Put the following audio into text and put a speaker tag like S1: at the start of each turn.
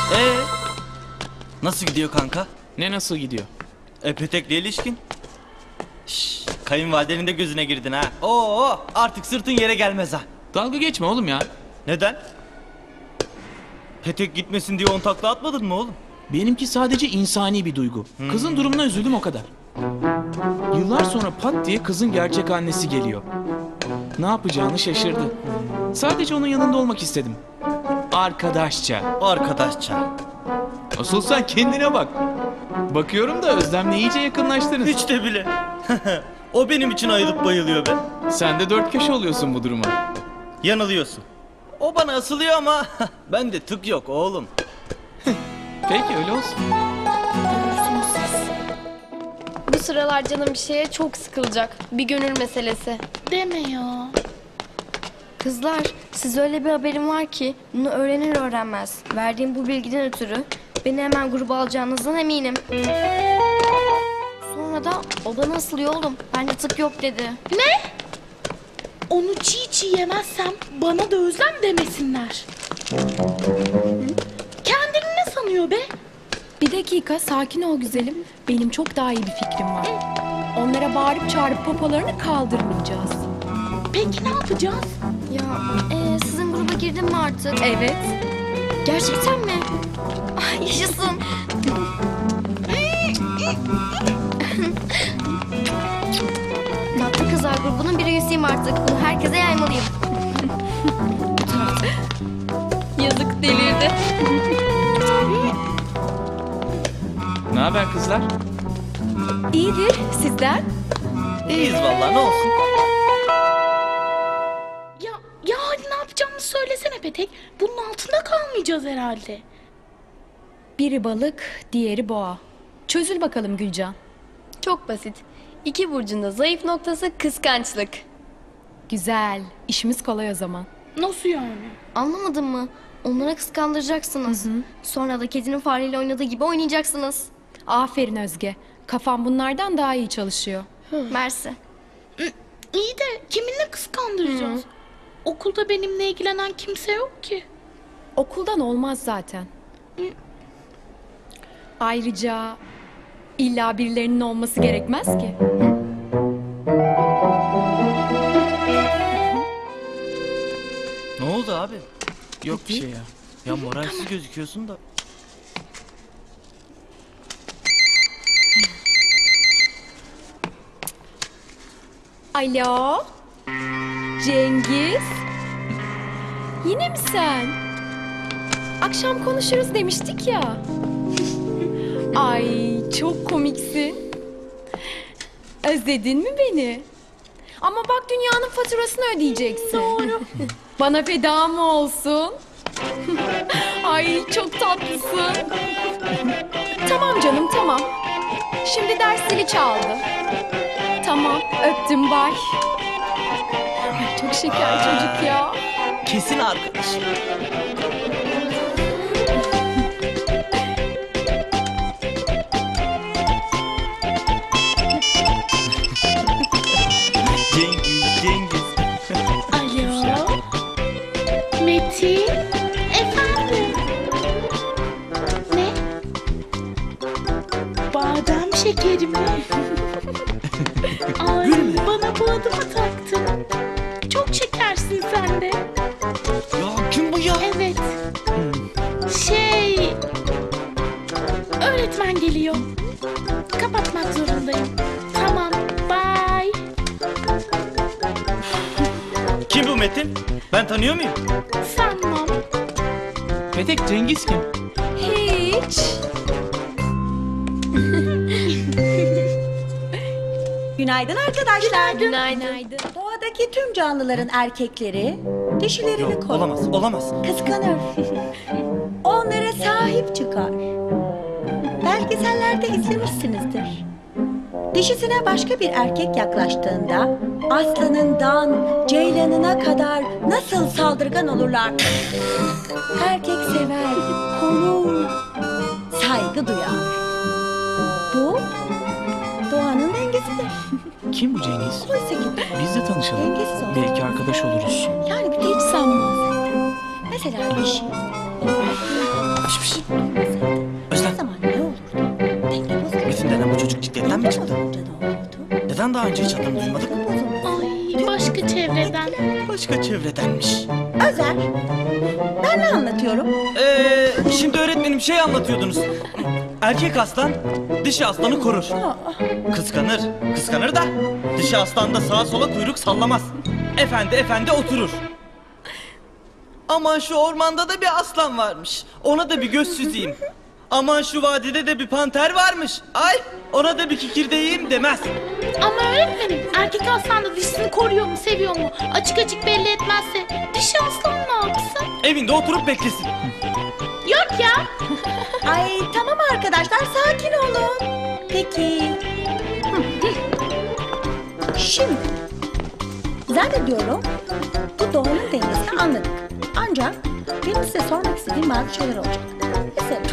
S1: Ee, nasıl gidiyor kanka?
S2: Ne nasıl gidiyor?
S1: Petek'le ilişkin? Şşş, kayınvalidenin de gözüne girdin ha. Oo, artık sırtın yere gelmez ha.
S2: Dalga geçme oğlum ya.
S1: Neden? Petek gitmesin diye 10 takla atmadın mı oğlum?
S2: Benimki sadece insani bir duygu. Kızın durumuna üzüldüm o kadar. Yıllar sonra pat diye kızın gerçek annesi geliyor. Ne yapacağını şaşırdı. Sadece onun yanında olmak istedim. Arkadaşça.
S1: Arkadaşça.
S2: Asıl sen kendine bak. Bakıyorum da Özlem'le iyice yakınlaştınız.
S1: Hiç de bile. O benim için ayılıp bayılıyor be.
S2: Sen de dört köşe oluyorsun bu duruma.
S1: Yanılıyorsun. O bana asılıyor ama bende tık yok oğlum.
S2: Peki öyle olsun.
S3: Görürsünüz siz. Bu sıralar canım bir şeye çok sıkılacak. Bir gönül meselesi.
S4: Deme ya.
S3: Kızlar, siz öyle bir haberim var ki bunu öğrenir öğrenmez. Verdiğim bu bilgiden ötürü beni hemen gruba alacağınızdan eminim. Sonra da o bana asılıyor oğlum. Bende tık yok dedi.
S4: Ne? Onu çiğ çiğ yemezsem bana da özlem demesinler. Kendini ne sanıyor be?
S5: Bir dakika sakin ol güzelim. Benim çok daha iyi bir fikrim var. Onlara bağırıp çağırıp popolarını kaldırmayacağız.
S4: Peki ne yapacağız?
S3: Ya sizin gruba girdin mi artık?
S5: Evet.
S3: Gerçekten mi? Ay, yaşasın. Tatlı Kızlar grubunun bir üyesiyim artık. Bunu herkese yaymalıyım. Yazık delirdi.
S2: Ne haber kızlar?
S5: İyidir sizden.
S1: İyiyiz vallahi, ne olsun.
S4: Ya hadi ne yapacağımızı söylesene Petek. Bunun altında kalmayacağız herhalde.
S5: Biri balık, diğeri boğa. Çözül bakalım Gülcan.
S3: Çok basit. İki burcun da zayıf noktası kıskançlık.
S5: Güzel. İşimiz kolay o zaman.
S4: Nasıl yani?
S3: Anlamadın mı? Onlara kıskandıracaksınız. Sonra da kedinin fareyle oynadığı gibi oynayacaksınız.
S5: Aferin Özge. Kafam bunlardan daha iyi çalışıyor.
S3: Mersi.
S4: İyi de kiminle kıskandıracağız? Okulda benimle ilgilenen kimse yok ki.
S5: Okuldan olmaz zaten. Ayrıca illa birilerinin olması gerekmez ki.
S1: Ne oldu abi?
S2: Yok bir şey ya.
S1: Ya moralsiz gözüküyorsun da.
S5: Alo? Cengiz? Yine mi sen? Akşam konuşuruz demiştik ya. Ay çok komiksin. Özledin mi beni? Ama bak dünyanın faturasını ödeyeceksin. Doğru. Bana feda mı olsun? Ay çok tatlısın. Tamam canım tamam. Şimdi ders zili çaldı. Tamam öptüm bay. Ay, çok şeker çocuk ya.
S1: Kesin arkadaş. Cengiz.
S4: Alo? Metin? Efendim? Ne? Badem şekeri mi? Ay bana bu adı mı taktın? Çok şekersin sen de.
S1: Ya kim bu ya?
S4: Evet. Öğretmen geliyor. Kapatmak zorundayım. Tamam. Bye.
S1: Kim bu Metin? Ben tanıyor muyum?
S4: Sanmam.
S2: Petek, Cengiz kim?
S5: Hiç.
S6: Günaydın arkadaşlar.
S3: Günaydın.
S6: Doğadaki tüm canlıların erkekleri dişilerini
S1: Yok,
S6: korur.
S1: olamaz.
S6: Kıskanır. Onlara sahip çıkar. Belgesellerde izlemişsinizdir. Dişisine başka bir erkek yaklaştığında aslanından ceylanına kadar nasıl saldırgan olurlar. Erkek sever, korur, saygı duyar. Bu doğanın dengesidir.
S2: Kim bu Cengiz?
S6: Oysa ki
S2: Biz de tanışalım.
S6: dengesiz olsun.
S2: Belki arkadaş oluruz.
S6: Yani bir de hiç sanmam zaten. Mesela bir şey. O
S1: Özlem,
S6: zaman ne olurdu? Denge bozulurdu.
S1: Metin denen bu çocuk cikletten mi çıktı?
S6: Bozulunca ne olurdu?
S1: Neden daha önce hiç adını duymadık?
S4: Ay başka çevreden.
S1: Başka çevredenmiş.
S6: Özer, ben ne anlatıyorum?
S1: Şimdi öğretmenim şey anlatıyordunuz. Erkek aslan dişi aslanı korur. Kıskanır, kıskanır da dişi aslan da sağa sola kuyruk sallamaz. Efendi oturur. Aman şu ormanda da bir aslan varmış. Ona da bir göz süzeyim. Aman şu vadide de bir panter varmış. Ay ona da bir kikirdeğim demez.
S4: Ama öğretmenim erkek aslan da dişisini koruyor mu seviyor mu? Açık açık belli etmezse dişi aslan ne yapsın?
S1: Evinde oturup beklesin.
S4: Yok ya.
S6: Ay tamam arkadaşlar, sakin olun. Peki. Şimdi, zannediyorum bu doğanın dengesini anladık. Ancak benim size sormak istediğim bazı şeyler olacak. Mesela